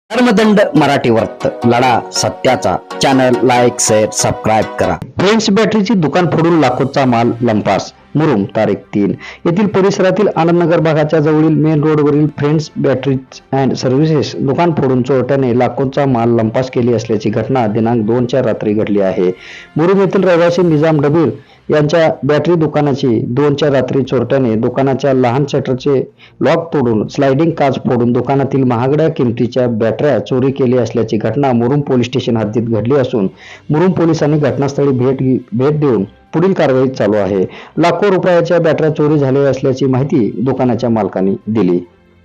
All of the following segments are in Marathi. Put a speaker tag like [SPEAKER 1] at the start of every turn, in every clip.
[SPEAKER 1] धर्मदंड मराठी वर्त लढा सत्याचा चॅनल लाईक शेअर सबस्क्राईब करा। फ्रेंड्स बॅटरीची दुकान फोडून लाखोचा माल लंपास। मुरुम तारीख 3 येथील परिसरातील आनंदनगर भागाच्या जवळील मेन रोडवरील फ्रेंड्स बॅटरीज अँड सर्व्हिसेस दुकान फोडून चोरट्याने लाखोचा माल लंपास केली असल्याची घटना दिनांक 2च्या रात्री घडली आहे। मुरुम येथील रहिवासी निजाम डबीर यांच्या बॅटरी दुकानाची 2च्या रात्री चोरट्याने दुकानाच्या लहान शटरचे लॉक तोडून स्लायडिंग काच फोडून दुकानातील महागड्या किमतीच्या बॅटऱ्या चोरी केली असल्याची घटना मुरुम पोलीस स्टेशन हद्दीत घडली असून मुरुम पोलिसांनी घटनास्थळी भेट देऊन पुढील कारवाई चालू आहे। लाखो रुपयाच्या बॅटऱ्या चोरी झाल्या असल्याची माहिती दुकानाच्या मालकांनी दिली।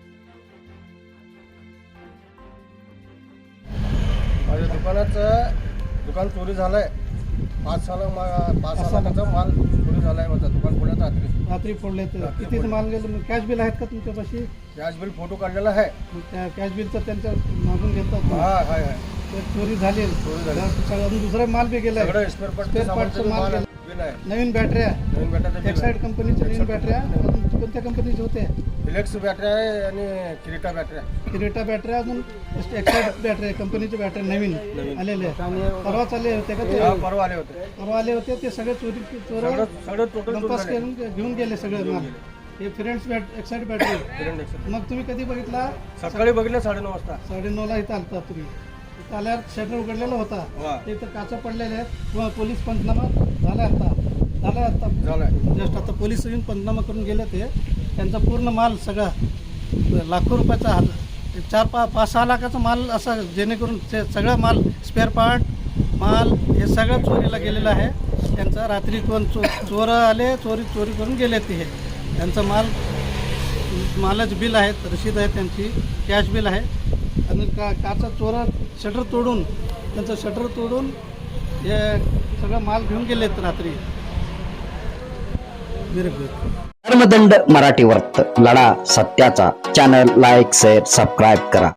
[SPEAKER 2] माझ्या दुकान चोरी झालाय। 5 लाखाचा माल चोरी झालाय। माझा दुकान पुण्यात
[SPEAKER 3] रात्री फोडले तर किती माल गेलं? कॅश बिल आहेत का तुमच्यापाशी?
[SPEAKER 2] कॅश बिल फोटो काढलेला आहे।
[SPEAKER 3] त्या कॅश बिलचं त्यांच्या मागून घेतात।
[SPEAKER 2] हाय
[SPEAKER 3] ते चोरी झाली। अजून दुसरा माल बी गेलाय।
[SPEAKER 2] सगळं स्पेअर पार्टचं माल बिल आहे।
[SPEAKER 3] नवीन बॅटऱ्या एक्साइड कंपनीच्या नवीन बॅटऱ्या कोणत्या कंपनीच्या होत्या?
[SPEAKER 2] फिलेक्स बॅटरी आहे आणि किरीटा
[SPEAKER 3] बॅटऱ्या अजून एक्साइड बॅटरी कंपनीच्या बॅटऱ्या नवीन आलेल्या परवा चालले होते का? ते परवा आले होते ते सगळे
[SPEAKER 2] सगळं टोटल
[SPEAKER 3] घेऊन गेले सगळे माल। हे फ्रेंड्स एक्साइड बॅटरी मग तुम्ही कधी बघितला?
[SPEAKER 2] सकाळी बघितलं 9:30 वाजता।
[SPEAKER 3] 9:30ला इथं आलता तुम्ही। इथं आल्यावर शटर उघडलेला होता। इथं काचा पडलेल्या आहेत। पोलीस पंचनामा झालाय आता जस्ट आता पोलीस येऊन पंचनामा करून गेले। ते त्यांचा पूर्ण माल सगळा लाखो रुपयाचा 4-5-6 लाखाचा माल असा जेणेकरून सगळा माल स्पेअर पार्ट माल हे सगळं चोरीला गेलेलं आहे। त्यांचा रात्री कोण चोर आले चोरी करून गेले। ते त्यांचा मालाचे बिल आहेत, रशीद आहे, त्यांची कॅश बिल आहे आणि काचा चोरा शटर तोडून हे सगळं माल घेऊन गेलेत रात्री।
[SPEAKER 1] धर्मदंड मराठी वर्त लढा सत्याचा चॅनल लाईक शेअर सबस्क्राईब करा।